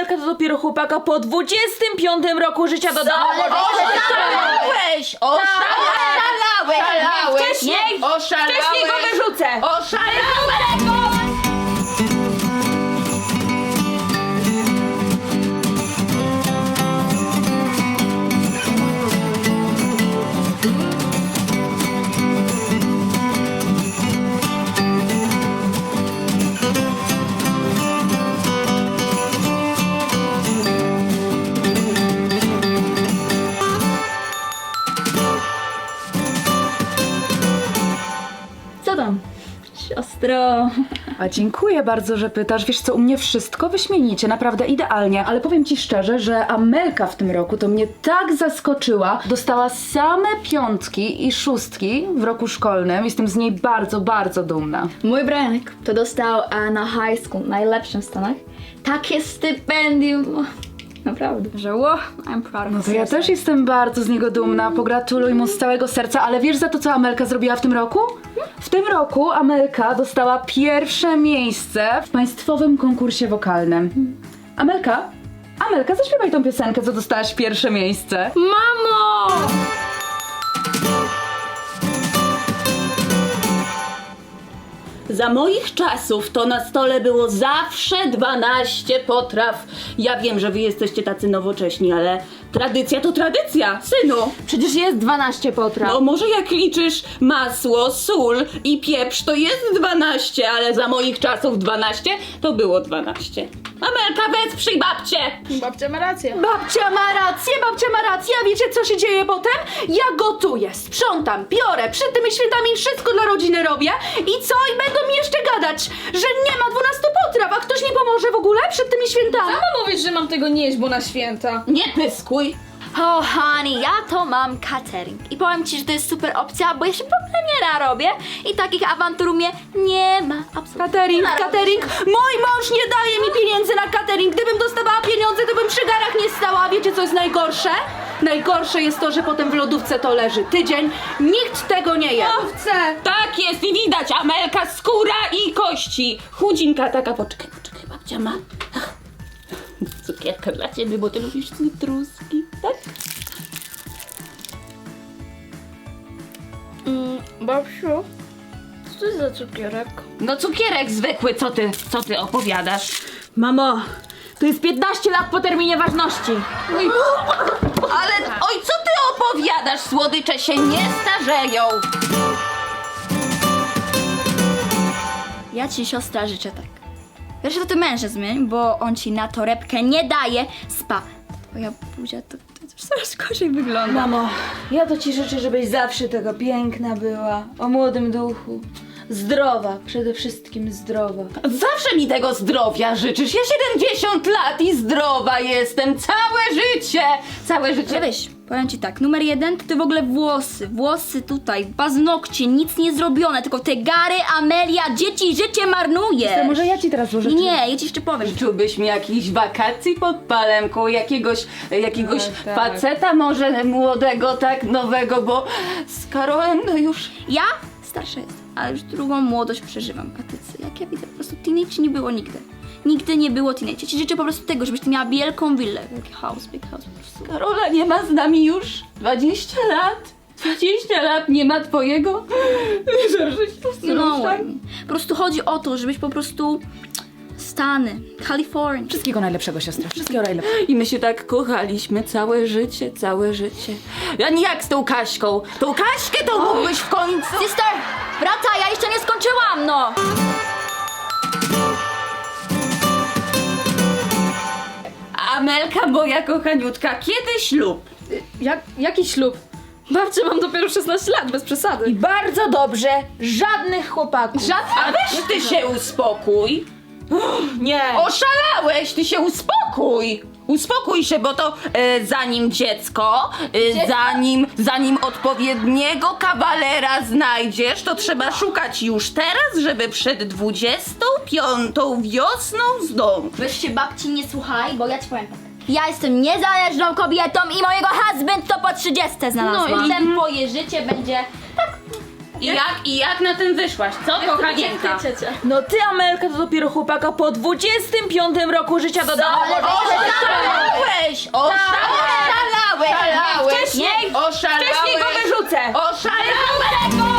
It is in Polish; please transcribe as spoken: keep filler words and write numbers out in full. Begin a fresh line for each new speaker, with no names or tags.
Amelka to dopiero chłopaka po dwudziestym piątym roku życia dodała.
Oszalałeś! Oszalałeś! Oszalałeś!
Wcześniej,
Oszalałeś!
wcześniej go wyrzucę.
Oszalałeś!
Co tam? Siostro.
A dziękuję bardzo, że pytasz. Wiesz co, u mnie wszystko wyśmienicie, naprawdę idealnie. Ale powiem ci szczerze, że Amelka w tym roku to mnie tak zaskoczyła. Dostała same piątki i szóstki w roku szkolnym. Jestem z niej bardzo, bardzo dumna.
Mój Brianek to dostał e, na high school, najlepszym w Stanach, takie stypendium. Naprawdę, że wow, I'm proud of
No to ja też jestem bardzo z niego dumna. Pogratuluj mu z całego serca. Ale wiesz za to, co Amelka zrobiła w tym roku? W tym roku Amelka dostała pierwsze miejsce w państwowym konkursie wokalnym. Amelka? Amelka, zaśpiewaj tą piosenkę, co dostałaś pierwsze miejsce.
Mamo!
Za moich czasów to na stole było zawsze dwanaście potraw. Ja wiem, że wy jesteście tacy nowocześni, ale tradycja to tradycja, synu.
Przecież jest dwanaście potraw.
No może jak liczysz masło, sól i pieprz, to jest dwanaście, ale za moich czasów dwanaście to było dwanaście. Amelka, wesprzyj babcię!
Babcia ma rację.
Babcia ma rację, babcia ma rację, a wiecie co się dzieje potem? Ja gotuję, sprzątam, biorę, przed tymi świętami wszystko dla rodziny robię i co? I będą mi jeszcze gadać, że nie ma dwunastu potraw, a ktoś mi pomoże w ogóle przed tymi świętami?
Sama mówisz, że mam tego nie jeść, bo na święta.
Nie pyskuj!
Oh honey, ja to mam catering. I powiem ci, że to jest super opcja, bo ja się w ogóle nie narobię i takich awantur u mnie nie ma. Absolutnie.
Catering,
Nie narobię
catering,
się.
mój mąż nie daje mi pieniędzy na catering. Gdybym dostawała pieniądze, to bym przy garach nie stała. A wiecie co jest najgorsze? Najgorsze jest to, że potem w lodówce to leży tydzień. Nikt tego nie je.
Chcę.
Tak jest i widać, Amelka, skóra i kości. Chudzinka taka, poczekaj, poczekaj, babcia ma. Ach, cukierka dla ciebie, bo ty lubisz cytruski, tak?
Mm, babciu, co to jest za cukierek?
No cukierek zwykły, co ty, co ty opowiadasz?
Mamo, to jest piętnaście lat po terminie ważności.
Oj, ale, oj, co ty opowiadasz? Słodycze się nie starzeją.
Ja ci, siostra, życzę tak. Wiesz, to ty męża zmień, bo on ci na torebkę nie daje spa. Twoja buzia to, to już coraz gorzej wygląda.
Mamo, ja to ci życzę, żebyś zawsze taka piękna była, o młodym duchu. Zdrowa, przede wszystkim zdrowa.
Zawsze mi tego zdrowia życzysz. Ja siedemdziesiąt lat i zdrowa jestem. Całe życie. Całe życie.
Weź, powiem ci tak, numer jeden to ty w ogóle włosy, włosy tutaj, paznokcie, nic nie zrobione, tylko te gary, Amelia, dzieci, życie marnuje.
To może ja ci teraz złożę.
Nie, ja ci jeszcze powiem.
Życzyłbyś mi jakichś wakacji pod palemką, jakiegoś, jakiegoś
No, tak.
faceta może młodego, tak, nowego, bo z Karolem no już...
Ja starsza jestem, ale już drugą młodość przeżywam, a ty co, jak ja widzę, po prostu teenage nie było nigdy. Nigdy nie było teenage. Ja ci życzę po prostu tego, żebyś ty miała wielką willę. Wielki house, big house po prostu.
Karola nie ma z nami już dwadzieścia lat. dwadzieścia lat nie ma twojego. Że się
No,
tak?
po prostu chodzi o to, żebyś po prostu Stany, Kalifornia.
Wszystkiego najlepszego, siostra. Wszystkiego najlepszego.
I my się tak kochaliśmy całe życie, całe życie. Ja nie jak z tą Kaśką. Tą Kaśkę to mógłbyś w końcu...
Sister, wracaj, ja jeszcze nie skończyłam, no!
Amelka, moja kochaniutka, kiedy ślub?
Jak, jaki ślub? Babcia, mam dopiero szesnaście lat, bez przesady.
I bardzo dobrze, żadnych chłopaków.
A weź ty się uspokój.
Nie.
Oszalałeś, ty się uspokój. Uspokój się, bo to e, zanim dziecko, e, zanim, zanim odpowiedniego kawalera znajdziesz, to trzeba szukać już teraz, żeby przed dwudziestą piątą wiosną zdążyć.
Weź się babci nie słuchaj, bo ja ci powiem tak. Ja jestem niezależną kobietą i mojego husband to po trzydziestce znalazłam.
No i-
Potem twoje życie będzie tak
I jak, I jak na tym wyszłaś? Co, kochanienka?
Ciocia.
No ty, Amelka, to dopiero chłopaka po dwudziestym piątym roku życia dodała.
Oszalałeś! Oszalałeś!
Wcześniej!
Oszalałeś!
Wcześniej go wyrzucę.
Oszalałeś!